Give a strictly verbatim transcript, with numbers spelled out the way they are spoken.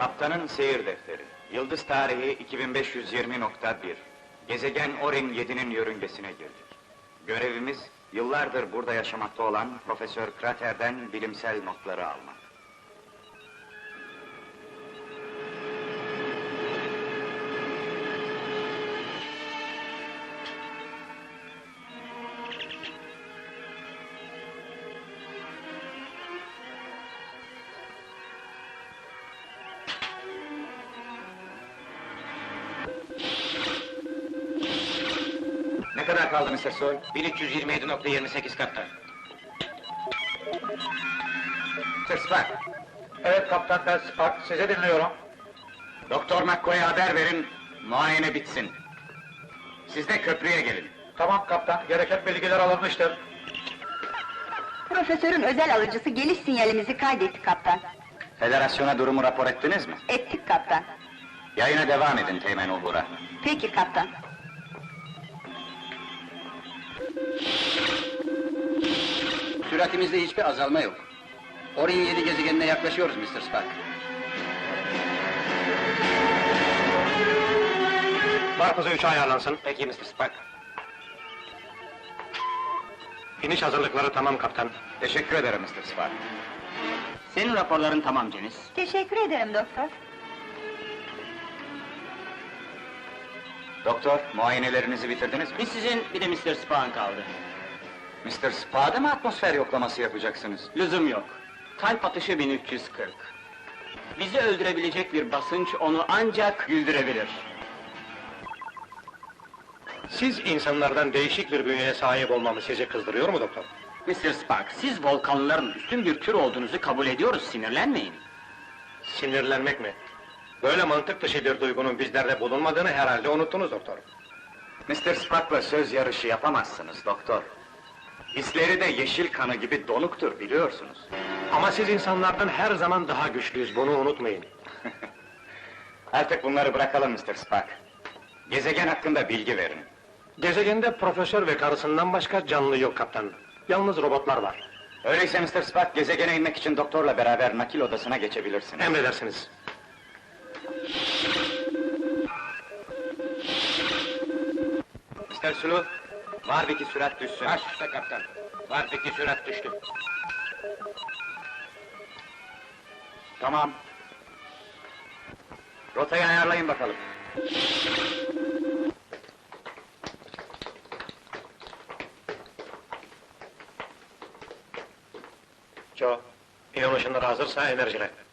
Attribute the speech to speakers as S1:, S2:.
S1: Kaptanın seyir defteri. Yıldız tarihi iki bin beş yüz yirmi nokta bir. Gezegen Orin yedi'nin yörüngesine girdik. Görevimiz, yıllardır burada yaşamakta olan Profesör Krater'den bilimsel notları almak. Ne kadar kaldı mister Sol?
S2: bin üç yüz yirmi yedi nokta yirmi sekiz kaptan.
S1: mister Spock,
S3: Evet kaptan, ben Spock, sizi dinliyorum.
S1: Doktor McCoy'a haber verin, muayene bitsin. Siz de köprüye gelin.
S3: Tamam kaptan, gereken bilgiler alınmıştır.
S4: Profesörün özel alıcısı geliş sinyalimizi kaydetti kaptan.
S1: Federasyona durumu rapor ettiniz mi?
S4: Ettik kaptan.
S1: Yayına devam edin Teğmen Ulhur'a.
S4: Peki kaptan.
S2: Süratimizde hiçbir azalma yok. Orin yedi gezegenine yaklaşıyoruz mister Spock.
S3: Var hızı üçe ayarlansın.
S2: Peki mister Spock.
S3: İniş hazırlıkları tamam kaptan.
S1: Teşekkür ederim mister Spock.
S2: Senin raporların tamam Janice.
S4: Teşekkür ederim doktor.
S1: Doktor, muayenelerinizi bitirdiniz mi?
S2: Bir sizin, bir de mister Spock'ın kaldı.
S1: mister Spock'a mı atmosfer yoklaması yapacaksınız?
S2: Lüzum yok. Kalp atışı bin üç yüz kırk. Bizi öldürebilecek bir basınç onu ancak güldürebilir.
S3: Siz insanlardan değişik bir bünyeye sahip olmamı sizi kızdırıyor mu doktor?
S2: mister Spock, siz volkanların üstün bir tür olduğunuzu kabul ediyoruz, sinirlenmeyin.
S3: Sinirlenmek mi? Böyle mantık dışı bir duygunun bizlerde bulunmadığını herhalde unuttunuz doktor.
S1: mister Spock'la söz yarışı yapamazsınız doktor. Hisleri de yeşil kanı gibi donuktur biliyorsunuz.
S3: Ama siz insanlardan her zaman daha güçlüyüz, bunu unutmayın.
S1: Artık bunları bırakalım mister Spock. Gezegen hakkında bilgi verin.
S3: Gezegende profesör ve karısından başka canlı yok kaptan. Yalnız robotlar var.
S1: Öyleyse mister Spock, gezegene inmek için doktorla beraber nakil odasına geçebilirsiniz.
S3: Emredersiniz.
S1: mister Sulu, Warwick'i sürat düşsün.
S2: Baş üstte kaptan. Warwick'li sürat düştü.
S1: Tamam. Rotayı ayarlayın bakalım.
S3: Joe, iyon ışınları hazırsa enerjile.